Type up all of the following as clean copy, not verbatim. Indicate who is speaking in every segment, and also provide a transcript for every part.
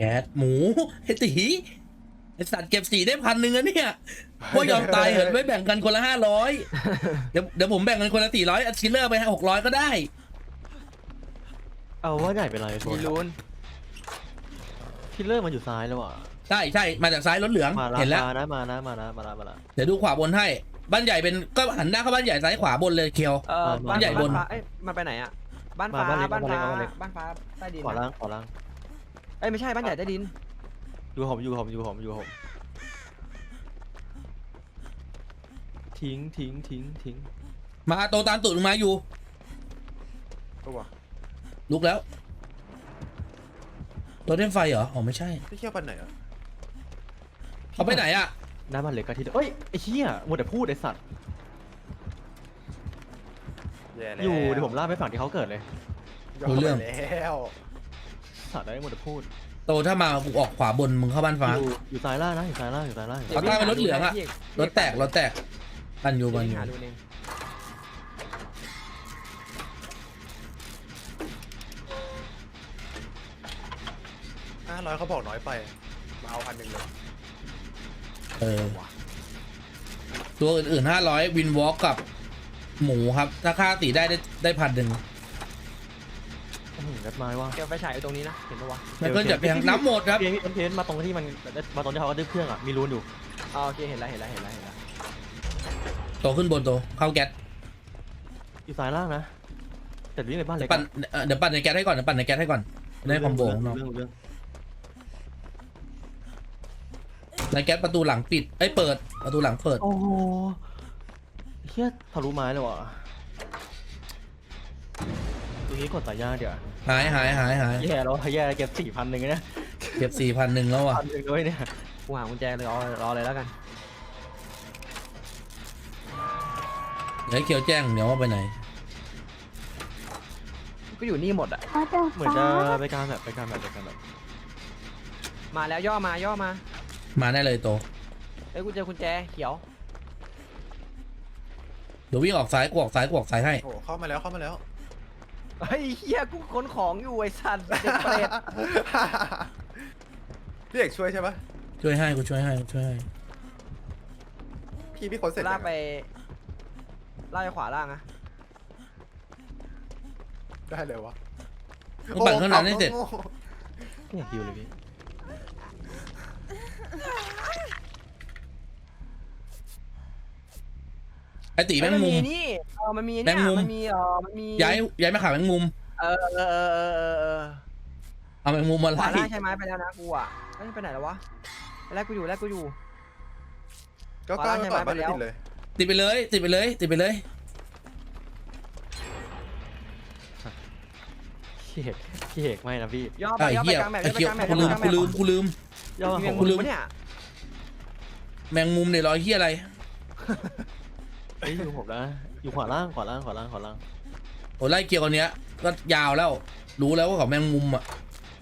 Speaker 1: ก๊สหมูไอ้ตีไอ้สัตว์เก็บสีได้1,000อะเนี่ยว่ายอมตายเหอะไม่แบ่งกันคนละ500เดี๋ยวผมแบ่งกันคนละ400ชิลเลอร์ไป600ก็ได้
Speaker 2: เอาว่าใหญ่เป็นไรโซ
Speaker 3: มี
Speaker 2: น
Speaker 3: รูน
Speaker 2: คิลเลอร์มันอยู่ซ้ายแล้วอ่ะ
Speaker 1: ใช่มาจากซ้ายรถเหลือง
Speaker 2: มา
Speaker 1: เห็นแล้ว
Speaker 2: มานะ
Speaker 1: เดี๋ยวดูขวาบนให้บ้านใหญ่เป็นก็หันหน้าเข้าบ้านใหญ่ซ้ายขวาบนเลยเคียว
Speaker 3: บ้าน
Speaker 1: ใหญ่บน
Speaker 3: ฟ้าเอ้ยมันไปไหนอ่ะบ้านฟ้าบ้านฟ้าใต้ดิน
Speaker 2: ขวาล่าง
Speaker 3: เอ้ยไม่ใช่บ้านใหญ่ใต้ดิน
Speaker 2: อยู่ผมทิ้ง
Speaker 1: มาโตตามตูดมึงมาอยู่
Speaker 4: ตัว
Speaker 1: ลุกแล้วตัวเล่นไฟเหรออ๋อไม่ใช่
Speaker 4: ที่เที่ยวปันไหนอ่ะ
Speaker 1: เขาไปไหนอะ
Speaker 2: หน้าบ้านเล็กกะทิเอ้ยไอ้เหี้ยมัวแต่พูดไอ้สัตว์
Speaker 4: แย่แล้ว
Speaker 2: อยู่เดี๋ยวผมลากไปฝั่งที่เขาเกิดเลย
Speaker 1: รู้เรื่อง
Speaker 4: แล้ว
Speaker 2: สัตว์ได้มัวแต่พูด
Speaker 1: โตถ้ามากูออกขวาบนมึงเข้าบ้านฟ้า
Speaker 2: อยู่ซ้ายล่างนะอยู่ซ้ายล่าง
Speaker 1: เขาตั้งเป็นรถเหลืองอะรถแตกปันอยู่
Speaker 3: หาดูเอง
Speaker 4: 500เขาบอกน้อยไปมาเอา1,000เลย
Speaker 1: ตัวอื่นๆ500วินวอล์กกับหมูครับถ้าค่าตีได้1,000
Speaker 2: นัดไม้ว่า
Speaker 3: เกี่ยวไฟฉายอยู่ตรงนี้นะเห็นปะวะ
Speaker 1: แล้วก็จะเพียงน้ำหมดครับ
Speaker 2: เพี้ยนมาตรงที่มันมาตรงที่เขาก็ดึงเครื่องอ่ะมีรูนอยู่
Speaker 3: อ๋อโอเคเห็นแล้ว
Speaker 1: โตขึ้นบนโตเข้าแก๊ส
Speaker 2: อยู่ซ้ายล่างนะแต่วิ่งไปบ้านเล็ก
Speaker 1: ปั่นเดี๋ยวปั่นในแก๊สให้ก่อนได้คอมโบของน้อง
Speaker 2: เรื่อง
Speaker 1: ในแก๊สประตูหลังปิดเปิดประตูหลังเปิด
Speaker 2: โอ้โหเฮียทะลุไม้เลยว่ะตัวนี้กดสายยากเดี๋ยว
Speaker 1: หาย
Speaker 2: แย่แล้วแย่เก็บ4,000นึงนะ
Speaker 1: เก็บ4,100แล้วอ่ะ
Speaker 2: 1,000ด้วยเนี่ย
Speaker 3: กูหากุญแจเลยรอเลยแล้วกัน
Speaker 1: เดี๋ยวให้เคียวแจ้งเดี๋ยวว่าไปไหน
Speaker 3: ก็อยู่นี่หมดอ่ะ
Speaker 2: เหมือนจะไปการแบบ
Speaker 3: มาแล้วย่อมา
Speaker 1: มาได้เลยโต
Speaker 3: เอ้ยกูเจอกุญแจเขียว
Speaker 1: เดี๋ยววิ่งออกซ้ายกูออกซ้ายให้
Speaker 4: โอ้โหเข้ามาแล้ว
Speaker 3: เฮ้ยเฮียกูขนของอยู่ไอ้สัตว์เด็กเปรต
Speaker 4: พี่เอกช่วยใช่ปะ
Speaker 1: ช่วยให้กูช่วยให้
Speaker 4: พี่คนเสร็จ
Speaker 3: ลากไปขวาล่างนะ
Speaker 4: ได้เลยวะ
Speaker 1: มึงปั่นเครื่องนั้นให้เสร็จ
Speaker 2: ไม่อยากฮิวเลยพี่
Speaker 1: ไอตีแมงมุม
Speaker 3: นี่มันมี
Speaker 1: แมงมุม
Speaker 3: มันมี
Speaker 1: ย้ายมาขาแมงมุม
Speaker 3: เออ
Speaker 1: เอาแมงมุมมา
Speaker 3: ขวา
Speaker 1: ไล่
Speaker 3: ล่างใช่ไหมไปแล้วนะกูอ่ะไปไหนแล้ววะแรกกูอยู่
Speaker 4: ก็ก้าวไปก่อนบ้านติดเลย
Speaker 1: ติดไปเลย
Speaker 2: พี่เอกไม่นะพี่
Speaker 3: ย่อไป
Speaker 1: ไอ้เหี้ย
Speaker 3: กลางแมป
Speaker 1: ไอ้เคียว
Speaker 3: ไปกลางแมป
Speaker 1: กูลืม
Speaker 2: ย่อ
Speaker 3: มี
Speaker 2: ผ
Speaker 3: แมง
Speaker 2: ม
Speaker 3: มุมปะเนี่ย
Speaker 1: แมงมุมเนี่ยรอยเหี้ยอะไร
Speaker 2: อยู่ผมนะอยู่ขวาล่าง
Speaker 1: โอ้ไล่เกียวคนเนี้ยก็ยาวแล้วรู้แล้วว่าเขาแมงมุมอ่ะ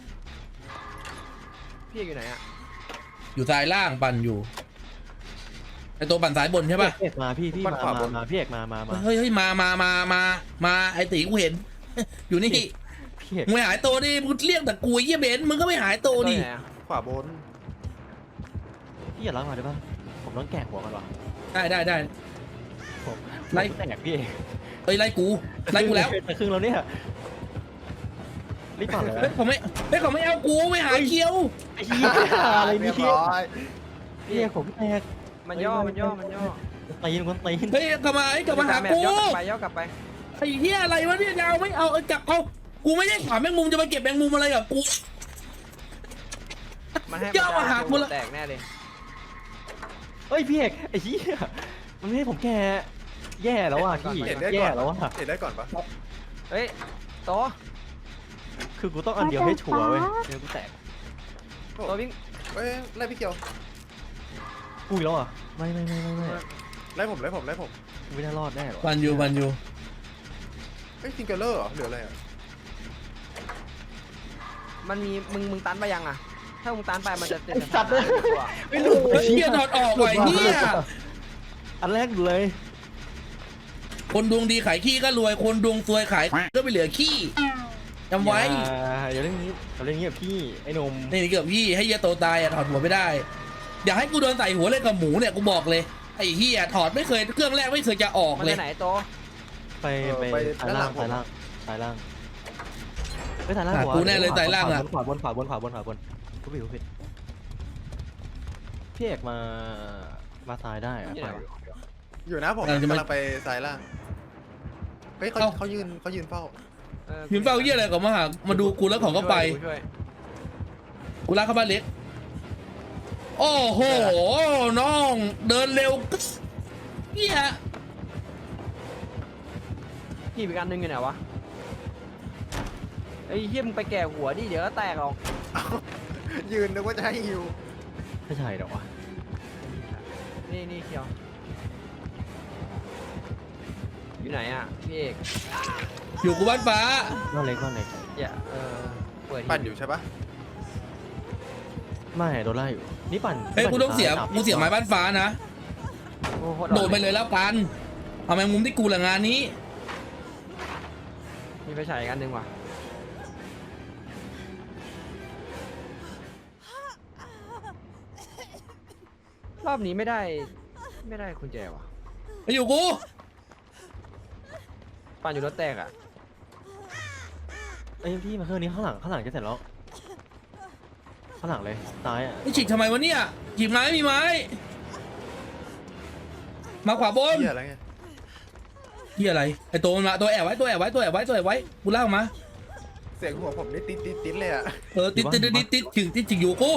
Speaker 3: พี่อยู่ไหนอ่ะ
Speaker 1: อยู่ซ้ายล่างปั่นอยู่ไอตัวปั่นซ้ายบนใช่ป่ะ
Speaker 2: พี่เอกมาพี่มาพี่เอกมา
Speaker 1: เฮ้ยมาไอตีกูเห็น อยู่นี่
Speaker 2: พี่เอก
Speaker 1: มึงไม่หายตัวดิมึงเรียกแต่กูเยี่ยเบนมึงก็ไม่หายตัวดิ
Speaker 3: ไหนอะ
Speaker 4: ขวาบน
Speaker 2: พี่อย่าล้างมาได้ป่ะผมต้องแกะหัวกันวะ
Speaker 1: ได้
Speaker 2: ผม
Speaker 1: ไล่
Speaker 2: แตกพี่เอก
Speaker 1: เอ้ยไล่กูแล้ว
Speaker 2: แต่ครึ่งแล้วเนี่ยรีบปั่นเลย
Speaker 1: เฮ้ยเขาไม่เอากูไม่หาเคียว
Speaker 2: ไอ้เหี้ยอะไร
Speaker 4: เรี
Speaker 2: นี่
Speaker 4: ยบร้อย
Speaker 2: พี่เอกผมแตก
Speaker 3: มันย่อ
Speaker 2: ตีนคนตีน
Speaker 1: เฮ้ยกลับมาหากู
Speaker 3: ย่อกลับไป
Speaker 1: ไอ้เหี้ยอะไรวะเนี่ยยาวไม่เอากลับเอากูไม่ได้ขวาแมงมุมจะมาเก็บแมงมุมอะไรกับกู
Speaker 3: มันให้
Speaker 1: ย่อมาหากูละ
Speaker 3: แตกแน่เลย
Speaker 2: เฮ้ยพี่เอกไอ้เหี้ยมันไม่ให้ผมแกแย่แล้วว่ะพี่
Speaker 4: เห็นได้ก่
Speaker 2: แย่
Speaker 4: อน
Speaker 2: แล้วว่ะ
Speaker 4: เห็นได้ก่อนปะ
Speaker 3: เฮ้ยโต
Speaker 2: คือกูต้องอันเดียวให้ชัวร์เว้ยเดี๋ยวกูแตก
Speaker 3: โตวิ่ง
Speaker 4: เอ้ยไล่พี่เกียว
Speaker 2: กูอีกแล้วอ่ะไม่
Speaker 4: ไล่ผม
Speaker 2: กูไม่น่ารอดแน่หรอ
Speaker 1: บันยู
Speaker 4: เฮ้ยทิงเกอร์เลอร์เหรอหรืออะไรอ่ะ
Speaker 3: มันมีมึงตันไปยังอ่ะถ้ามึงตันไปมันจะ
Speaker 2: ไอ้สัตว์เลยไม่รู้
Speaker 1: เฮ้ยเหี้ยถอดออกไว้เหี้ย
Speaker 2: อันแรกเลย
Speaker 1: คนดวงดีขายขี้ก็รวยคนดวงซวยขายก็ไปเหลือขี้จำไว้
Speaker 2: อย่าเรื่องนี้อย่าเรื่องนี้กับพี่ไอ้หนม
Speaker 1: นี่เกือบพี่ให้เฮียโตตายอะถอดหัวไม่ได้อย่าให้กูโดนใส่หัวเลยกับหมูเนี่ยกูบอกเลยไอ้เฮียถอดไม่เคยเครื่องแรกไม่เคยจะออก
Speaker 3: มัน
Speaker 1: เล
Speaker 3: ไป
Speaker 1: ย
Speaker 3: ไหนโต
Speaker 2: ไป
Speaker 4: ไป
Speaker 2: ซ้ายล่าง
Speaker 4: ด้านหลัง
Speaker 2: ซ้ายล่างไปซ้ายล่าง
Speaker 1: หากูแน่เลยซ้ายล่างอะ
Speaker 2: ขวาบนกูผิดพี่เอกมาซ้ายได้อะ
Speaker 3: ที่ไหนวะ
Speaker 4: อยู่นะผม
Speaker 1: กำลังจะมา
Speaker 4: กำลังไปซ้ายล่างเฮ้ยเขา
Speaker 1: เอ้า
Speaker 4: เขายืนเฝ้า
Speaker 1: ยืนเฝ้าเฮียอะไรก่อนมาดูกูแล้วของก็ไป
Speaker 3: ช่วย
Speaker 1: กูลากเข้าบ้านเล็กโอ้โหน้องเดินเร็วก็เฮีย
Speaker 3: พี่อีกอันนึงอยู่ไหนวะไอ้เหี้ยมึงไปแก่หัวดิเดี๋ยวก็แตกหรอก
Speaker 4: ยืนนึกว่าจะให้ฮิว
Speaker 2: ไม่ใช่หรอวะ
Speaker 3: นี่เคียวอยู่ไหนอ่ะพี่เอก
Speaker 1: อยู่กูบ้านฟ้า
Speaker 2: บ้านเล็ก
Speaker 3: อย่าเปิด
Speaker 4: ปั่นอยู่ใช่ปะ
Speaker 2: ไม่โดนไล่อยู่นี่ปั่น
Speaker 1: เฮ้ยกูต้องเสียกูเสียไม้บ้านฟ้านะ
Speaker 3: โอ้โห
Speaker 1: โดดไปเลยแล้วกันเอาแมงมุมที่กูละงานนี้
Speaker 3: มีไฟฉายอีกอันนึงว่ะรอบนี้ไม่ได้กุญแจว่ะ
Speaker 1: ไปอยู่กู
Speaker 3: ปั่นอยู่รถแตกอ่ะ
Speaker 2: ไอ้พี่มาเครื่องนี้ข้างหลังจะเสร็จแล้วข้างหลังเลยซ้ายอ่ะ
Speaker 1: ไอ้ฉีกทำไมวะเนี่ยฉีกไม้มีไม้มาขวาบน
Speaker 4: เหี้ยอะไรไง
Speaker 1: ที่อะไรไอ้ตัวมันมาตัวแอบไว้กูลากมา
Speaker 4: เสียงหัวผมนี่ติดเลยอะ
Speaker 1: ติดถึงอยู่กู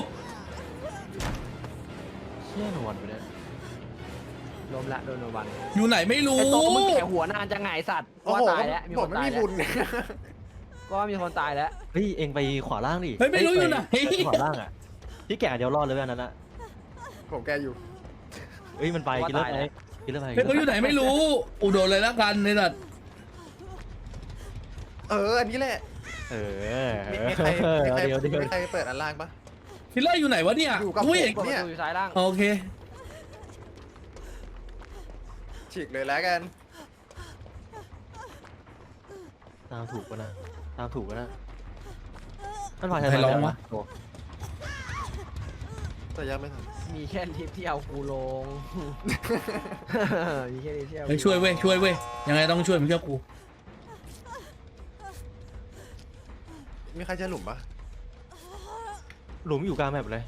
Speaker 2: เชี่ยหนวดไปเนี่ย
Speaker 3: ลมละโดนโนวัน
Speaker 1: อยู่ไหนไม่รู้
Speaker 3: ไอ้โตมึงแก่หัวนานจะไงสัตว์
Speaker 4: โอ้
Speaker 3: ว่า
Speaker 4: โห
Speaker 3: ตายแล้วมี
Speaker 4: ผ
Speaker 3: ค
Speaker 4: ม
Speaker 3: น
Speaker 4: ไม่
Speaker 3: ตาย
Speaker 4: มี
Speaker 3: แล้ว
Speaker 4: บุญ
Speaker 3: ก็มีคนตายแล้ว
Speaker 2: เฮ้ยเองไปขวาล่างดิ
Speaker 1: เฮ้ยไม่รู้อยู่ไหน
Speaker 2: ขวาล่างอ่ะพี่แก่เดียวรอดเลยอันนั้นอ่ะ
Speaker 4: ผมแกอยู่
Speaker 2: เฮ้ยมันไปกินเลิศไป
Speaker 1: เฮ้ยเขาอยู่ไหนไม่รู้อุดรเลยแล้วกันนี่แหละ
Speaker 4: อันนี้แหละ
Speaker 2: เออ
Speaker 4: มีใครมี
Speaker 2: เดี๋ยว
Speaker 4: ใครเปิดอันล่างปะ
Speaker 1: คิลเลอร์อยู่ไหนวะเนี่ย
Speaker 4: อยู่กับ
Speaker 1: อุ้ย
Speaker 4: ผม
Speaker 3: ประตูอยู่ซ้ายล่าง
Speaker 1: โอเค
Speaker 4: ฉีกเลยแล้วกัน
Speaker 2: ตามถูกปะนะมันไป
Speaker 1: ใครร้องวะ
Speaker 4: แต่ยังไม่ทัน
Speaker 3: มีแค่ลิฟต์ที่เอากูลง มีแค่ลิฟต์ที่เอา
Speaker 1: เฮ้ยช่วยเว้ยยังไงต้องช่วยมึงเชื่อกู
Speaker 4: มีใครจะหลุมปะ
Speaker 2: หลุมอยู่กลางแมปเลย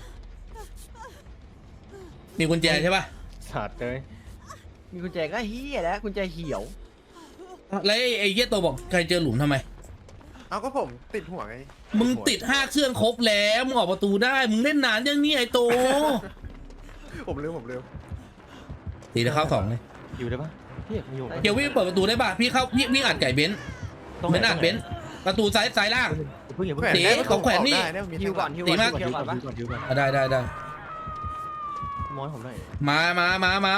Speaker 1: มีกุญแจใช่ป่ะ
Speaker 2: สัตว์เลย
Speaker 3: มีกุญแจก็เฮียแล้วกุญแจเขียว
Speaker 1: แล้วไอ้เหี้ยตัวบอกใครเจอหลุมทำไม
Speaker 4: เอาก็ผมติดหัวไง
Speaker 1: มึงติด5เครื่องครบแล้วมึงออกประตูได้มึงเล่นนานยังเนี่ยไอ้โต
Speaker 4: ผมลืม
Speaker 1: ตีได้เข้า2เลย
Speaker 2: อยู่ได้ปะพี่อยู่
Speaker 1: เดี๋ยววิ่งเปิดประตูได้ป่ะพี่เข้าพี่อัดไก่เบนซ์เบนซ์อัดเบนซ์ประตูซ้ายล่าง
Speaker 2: เพิ่งอย่า
Speaker 4: แข
Speaker 2: เพิ่ง
Speaker 4: วนได้
Speaker 1: ของแขวนนี่
Speaker 4: ได้มี
Speaker 3: ฮิวก่อนฮิว
Speaker 1: ตี
Speaker 3: ก่อน
Speaker 1: มาก
Speaker 3: ฮิวก่อนปะ
Speaker 2: ก่อน
Speaker 1: ได้
Speaker 2: ม้อยผมหน่อย
Speaker 1: มา
Speaker 2: ไม่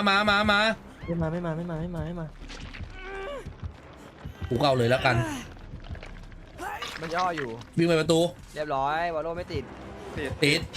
Speaker 2: มา
Speaker 1: กูเข้าเลยแล้วกัน
Speaker 3: มันย่ออยู่
Speaker 1: วิ่งไปประตู
Speaker 3: เรียบร้อยวอลโลไม่ติด
Speaker 1: ติด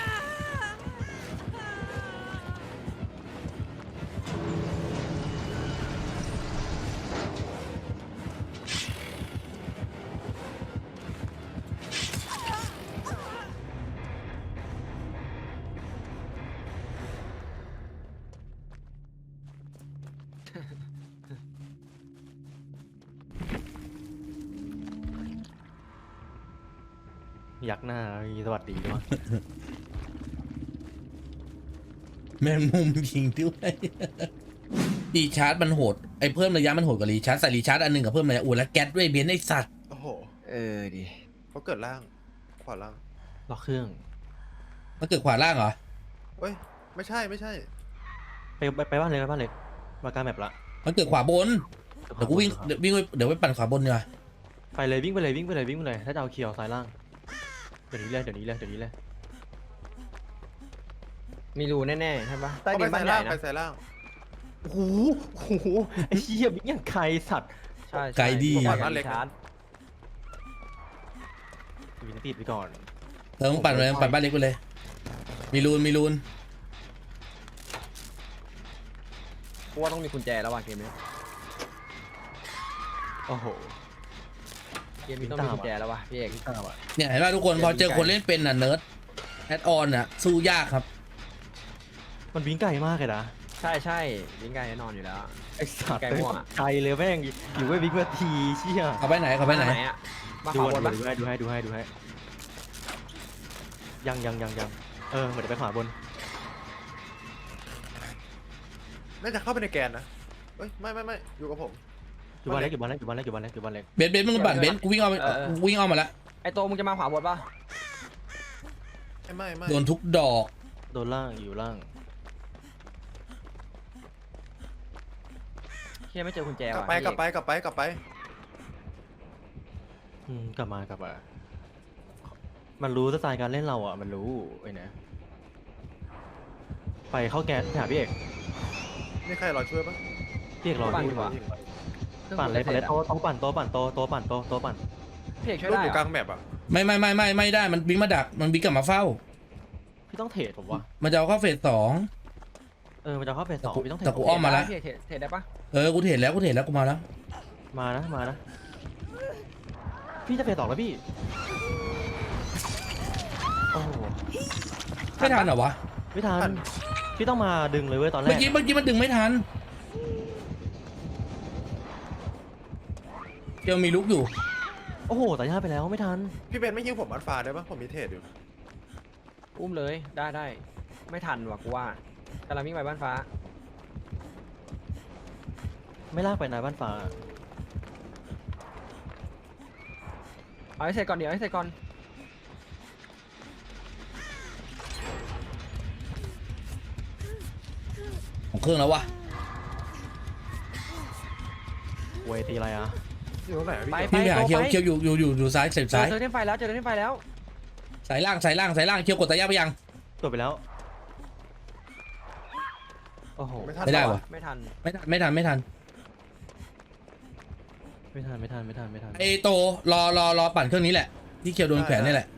Speaker 2: ยักหน้าสวัสดีด้วย
Speaker 1: แมงมุมยิงด้วยรีชาร์จมันโหดไอ้เพิ่มระยะมันโหดกว่ารีชาร์จใส่รีชาร์จอันหนึ่งกับเพิ่มระยะแล้วแก๊สด้วยเบนซ์ไอ้สัตว์
Speaker 4: โอ้โห
Speaker 3: ดิ
Speaker 4: เขาเกิดล่าง ขวาล่าง
Speaker 2: ล็อกเครื่อง
Speaker 1: มันเกิดขวาล่างเหรอ
Speaker 4: เอ้ย ไม่ใช่
Speaker 2: ไปบ้านเลยมากลางแมปละ
Speaker 1: มันเกิดขวาบนเดี๋ยวกูวิ่งเดี๋ยวไปปั่นขวาบนดีกว่า
Speaker 2: ไปเลยวิ่งไปเลยถ้าจะเอาเคียวซ้ายล่างเดี๋ยวนี้เลย
Speaker 3: มีรูแน่ๆใช่ปะใต้
Speaker 4: เขา
Speaker 3: ดิ
Speaker 4: ไป
Speaker 3: นบ้า
Speaker 4: ซ้าน ย
Speaker 3: ใหญ่
Speaker 4: ล่าง
Speaker 3: นะ
Speaker 4: ไปซ้ายล่าง
Speaker 2: โอ้โหไอ้เหี้ยบิ๊กอย่างใครสัตว์
Speaker 3: ใช่
Speaker 1: ไกลดี
Speaker 3: ก่อนบ้านเล็กชาร์จ
Speaker 2: วินติดไปก่อน
Speaker 1: มึงปั่นเลยปั่นบ้านเล็กไปเลย มีรูน
Speaker 3: กูว่าต้องมีกุญแจแล้วว่ะเกมนี้
Speaker 2: โอ้โห
Speaker 3: เกมนี้ต้องมีกุญแจแล้ววะพี่เอก
Speaker 2: วิ่งตามอ่ะ
Speaker 1: เนี่ยเห็นป่ะทุกคนพอเจอคนเล่นเป็นอ่ะเนิร์ดแอดออนอ่ะสู้ยากครับ
Speaker 2: มันวิ่งไกลมากเลยนะ
Speaker 3: ใช่ใช่วิ่งไกลแน่นอนอยู่แล้ว
Speaker 2: ไอ้สัตว์
Speaker 3: ไกลมั่วอะ
Speaker 2: ไกลเลยแม่งอยู่ไว้วิ่งมาทีเชี่ย
Speaker 1: เขาไปไหนเขาไปไหน
Speaker 3: อะมา
Speaker 2: ดู
Speaker 3: ขวาบนปะ
Speaker 2: ให้ยังเหมือนจะไปขวาบน
Speaker 4: น่าจะเข้าไปในแกนนะเอ้ยไม่อยู่กับผม
Speaker 2: อยู่บ้านเล็ก
Speaker 1: เบนซ์มึงปั่นเบนซ์กูวิ่งเอาวิ่งเอามาละ
Speaker 3: ไอโตมึงจะมาขวาบนปะ
Speaker 4: ไม่
Speaker 1: โดนทุกดอก
Speaker 2: โดนล่างอยู่ล่าง
Speaker 3: เฮียไม่เจอกุญแจ
Speaker 4: กลับ
Speaker 3: ว่ะ
Speaker 4: ไป
Speaker 3: พี่เอก
Speaker 4: กลับไป
Speaker 2: กลับมามันรู้สไตล์การเล่นเราอ่ะมันรู้ไอ้เนี่ยไปเข้าแก๊สหาพี่เอก
Speaker 4: นี่ใครรอช่วยปะ
Speaker 2: พี่เอกรอ
Speaker 3: ปั่น
Speaker 2: พี่
Speaker 3: ดีกว่า
Speaker 2: ปั่นเลยโต๊ะปั่น
Speaker 3: พี่เอกช่วย
Speaker 4: รูป
Speaker 3: ได้
Speaker 4: อยู่
Speaker 3: เห
Speaker 4: ก
Speaker 3: ร
Speaker 4: ลา
Speaker 3: อง
Speaker 4: แมปอ่ะ
Speaker 1: ไม่ได้มันวิ่งมาดักมันวิ่งกลับมาเฝ้า
Speaker 2: พี่ต้องเทรดผมวะ
Speaker 1: มันจะเอาเข้าเฟสสอง
Speaker 2: มันจะเข้าเฟส 2พี่ต้องเทร
Speaker 1: แต่
Speaker 2: ด
Speaker 1: กูอ้อมมาละ
Speaker 3: พี่เอกเทรดได้ปะ
Speaker 1: กูเห็นแล้วกูมาแล้ว
Speaker 2: มานะพี่จะเฟส2แล้วพี่โอ้โห
Speaker 1: ไม่ทันเหรอวะ
Speaker 2: ไม่ทันพี่ต้องมาดึงเลยเว้ยตอนแร
Speaker 1: เมื่อก กี้มันดึงไม่ทันเกียวมีลุกอยู่
Speaker 2: โอ้โหแต่ย่าไปแล้วไม่ทัน
Speaker 4: พี่เบนไม่ยิงผมอัลฟาได้ปะผมมีเทรดอยู่
Speaker 3: อุ้มเลยได้ไม่ทันว่ะกูว่ากำลังวิ่งไปบ้านฟ้า
Speaker 2: ไม่ลากไปนายบ้านฟ้า
Speaker 3: เอาให้เสร็จก่อนเดี๋ยวให้เสร็จก่อน
Speaker 1: ของเครื่องแล้ววะ
Speaker 2: เวทีอะไรอ่ะ
Speaker 4: อยู่ตรงไหนอะพี่
Speaker 3: ไป
Speaker 4: เกียว
Speaker 1: พี่ไปหาเคียวอยู่ซ้ายเสร็จซ้าย
Speaker 3: เจอเล่นไฟแล้วเจอเล่นไฟแล้ว
Speaker 1: สายล่างเคียวกดตะย่าไปยัง
Speaker 2: ตรวจไปแล้วโอ้โห
Speaker 4: ไม่ทัน
Speaker 1: ไม่ได้วะ
Speaker 3: ไม่ทัน
Speaker 1: ไม่ทัน
Speaker 2: ไม่ทัน
Speaker 1: ไอโตรอปั่นเครื่องนี้แหละที่เคียวโดนแขวนนี่แหละ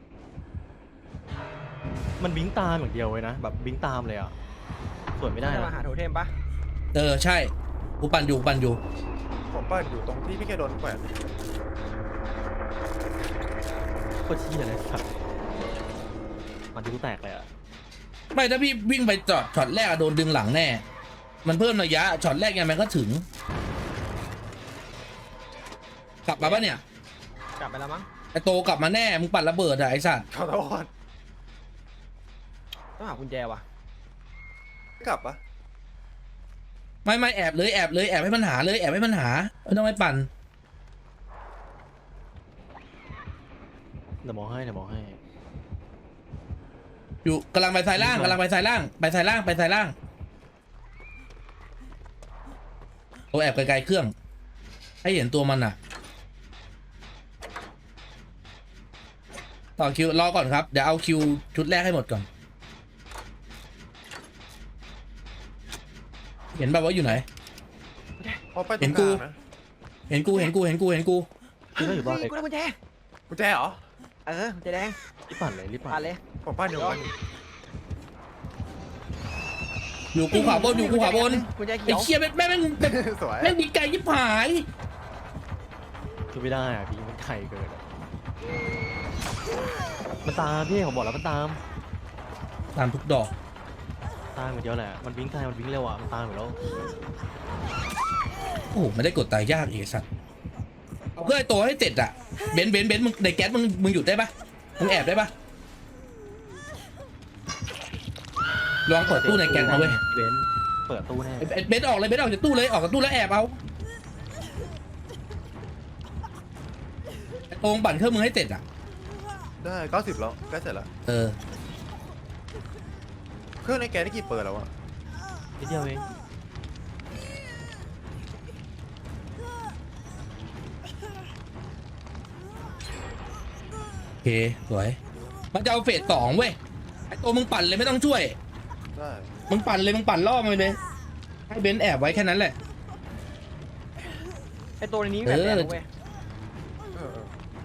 Speaker 2: มันบิงตามอย่างเดียวเลยนะแบบบิงตามเลยอ่ะสวนไม่ได้
Speaker 3: จะ
Speaker 2: นะ
Speaker 3: มาหาโทเทมปะ
Speaker 1: ใช่กูปั่นอยู่
Speaker 4: ผมปั้นอยู่ตรงที่พี่แกโดนแขวน
Speaker 2: โคตรชี้เลยสัตว์มันดูแตกเลยอ่ะ
Speaker 1: ไม่ถ้าพี่วิ่งไปจอดช็อตแรกอะโดนดึงหลังแน่ มันเพิ่มระยะช็อตแรกยังไงมันก็ถึง กลับมาปะเนี่ย
Speaker 3: กลับไปแล้วมั้ง
Speaker 1: ไอโตกลับมาแน่มึงปั่นระเบิดอะไอสัตว์
Speaker 4: ขอโทษ
Speaker 3: ต้องหากุญแจว่ะ
Speaker 4: กลับปะ
Speaker 1: ไม่แอบเลยแอบให้มันหาเลยแอบให้มันหาไม่ต้องไปปั่น
Speaker 2: เดี๋ยวมองให้
Speaker 1: อยู่กำลังไปสายล่างไปสายล่างโตแอบไกลๆเครื่อง ให้เห็นตัวมันอะต่อคิวรอก่อนครับเดี๋ยวเอาคิวชุดแรกให้หมดก่อนเห็นแบบว่าอยู่ไหน
Speaker 4: พอไปตรงกลางนะ
Speaker 1: เห็นกู
Speaker 2: พี่ก็อยู่บ้านเลย
Speaker 3: กูได้กุญแจ
Speaker 4: กุญแจเหรอ
Speaker 3: กุญแจแดง
Speaker 2: รีบปั่นเลย
Speaker 3: ผ่านเลย
Speaker 4: ผมปั้นอยู่
Speaker 1: อยู่กูขวาบน
Speaker 3: กุญแจเขี
Speaker 1: ไอ้
Speaker 3: ยว
Speaker 1: เชี่ยแม่ง
Speaker 4: สวย
Speaker 1: แม่งดีไกลยิบหาย
Speaker 2: คือไม่ได้อ่ะพี่มันไข่เกินมันตามพี่ผมบอกแล้วมันตาม
Speaker 1: ตามทุกดอก
Speaker 2: ตามเหมือนเดียวแหละมันวิ่งไกลมันวิ่งเร็วอ่ะมันตามอยู่แล้ว
Speaker 1: โอ้โหไม่ได้กดตายยากอีกสัตว์เอาเพื่อไอ้ตัวให้เสร็จอะเบนซ์มึงในแก๊สมึงหยุดได้ปะมึงแอบได้ปะลองเปิดตู้ในแก๊สมาเว้ย
Speaker 2: เบนซ์เปิดตู้แน่
Speaker 1: เบนซ์ออกจากตู้เลยออกจากตู้แล้วแอบเอาไอ้โองปั่นเครื่องมึงให้เสร็จอะ
Speaker 4: ได้90แล้วใกล้เสร็จแล้ว เครื่องในแกนได้กี่เปิดแล้วอะ
Speaker 2: นิดเดียวเอง
Speaker 1: โอเคสวยมันจะเอาเฟส2เว้ยไอ้ตัวมึงปั่นเลยไม่ต้องช่วย
Speaker 4: ได้
Speaker 1: มึงปั่นล่อมันเลยให้เบนซ์แอบไว้แค่นั้นแหละ
Speaker 3: ไอตัวในนี้แบบแดงนะเว้ย
Speaker 4: เออ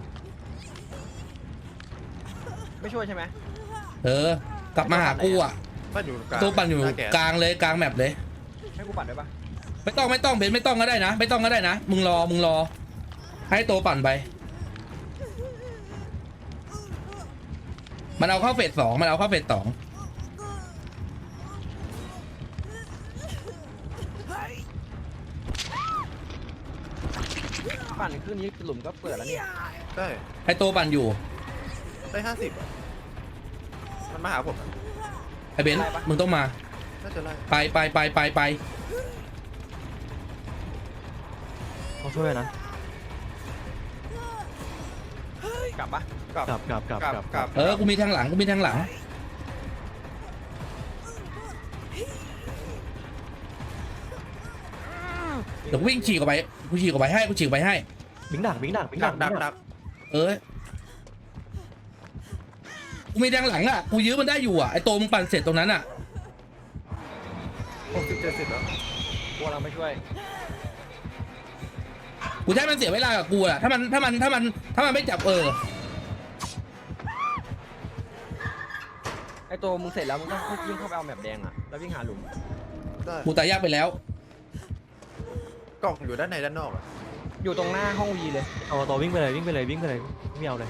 Speaker 3: ไม่ช่วยใช่ไหม
Speaker 1: กลับมาหากูอ่ะ
Speaker 4: ปั้นอยู่กลาง
Speaker 1: ตัวปั่นอยู่
Speaker 4: หาแกน
Speaker 1: กลางเลยกลางแมปเลย
Speaker 3: ให้กูปั่นด้วยปะ
Speaker 1: ไม่ต้องเบนซ์ไม่ต้องก็ได้นะมึงรอให้ตัวปั่นไปมันเอาเข้าเฟสสองมันเอาเข้าเฟสสอง
Speaker 3: ปั่นขึ้นนี้หลุมก็เปิดแล้วเนี่ย
Speaker 4: ได้
Speaker 1: ไอโตปั่นอยู่
Speaker 4: ได้50อ่ะมันมาหาผมอะ
Speaker 1: ไอเบนซ์มึงต้องมา
Speaker 4: น่าจะไล่
Speaker 1: ไป
Speaker 2: เขาช่วยนะ
Speaker 3: กลับปะ
Speaker 4: กลับ
Speaker 2: กลับ
Speaker 1: กูมีทางหลังเดี๋ยวกูวิ่งฉีกออกไปกูฉีกออกไปให้
Speaker 2: บิงดัก
Speaker 4: ดัก
Speaker 1: เออกูมีทางหลังอ่ะกูยื้อมันได้อยู่อ่ะไอโตมึงปั่นเสร็จตรงนั้นอ่ะ
Speaker 4: 60 70แล้ว
Speaker 3: กลัวเราไม่ช่วย
Speaker 1: กูใช้มันเสียเวลากับกูอ่ะถ้ามันไม่จับ
Speaker 3: ไอตัวมึงเสร็จแล้วมึงก็วิ่งเข้าไปเอาแมปแดงอ่ะแล้ววิ่งหาหลุม
Speaker 4: ได้
Speaker 1: กูตายยากไปแล้ว
Speaker 4: กล่องอยู่ด้านในด้านนอกอ่ะ
Speaker 3: อยู่ตรงหน้าห้องวีเลย
Speaker 2: เอาต่อวิ่งไปเลยไม่เอาเลย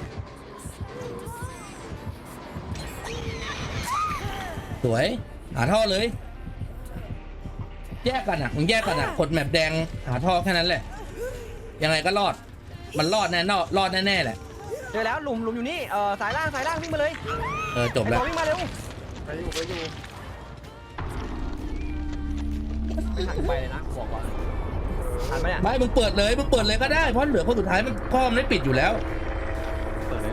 Speaker 1: สวยหาท่อเลย แยกกันอ่ะมึงแยกกันอ่ะกดแมปแดงหาท่อแค่นั้นแหละ ยังไงก็รอดมันรอดแน่รอดแน่แหละ
Speaker 3: เจอแล้วหลุมอยู่นี่สายล่างวิ่งมาเลย
Speaker 1: จบ
Speaker 3: ไอ
Speaker 1: แล้ว
Speaker 3: ตัววิ่งมาเร็ว
Speaker 4: ไปอยู่
Speaker 3: ไม่ทันไปเลยนะบอกก่อนทันไหมเนี่ย
Speaker 1: ไม่มึงเปิดเลยก็ได้เพราะเหลือคนสุดท้ายมันข้อมันไม่ปิดอยู่แล้ว
Speaker 2: เปิดเลย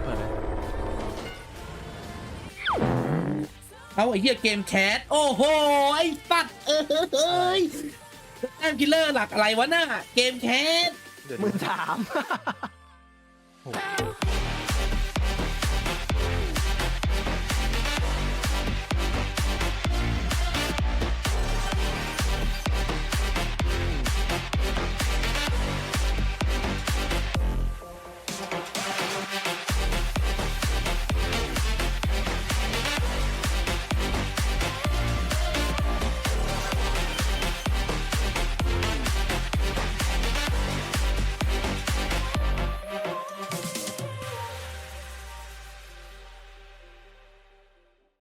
Speaker 1: เอาไอ้เหี้ยเกมแชทโอ้โหไอ้ปัดเอ้ยแต้มคิลเลอร์หลักอะไรวะน่ะเกมแชท
Speaker 4: เดี๋ยว
Speaker 3: 13,000
Speaker 2: โอ้โห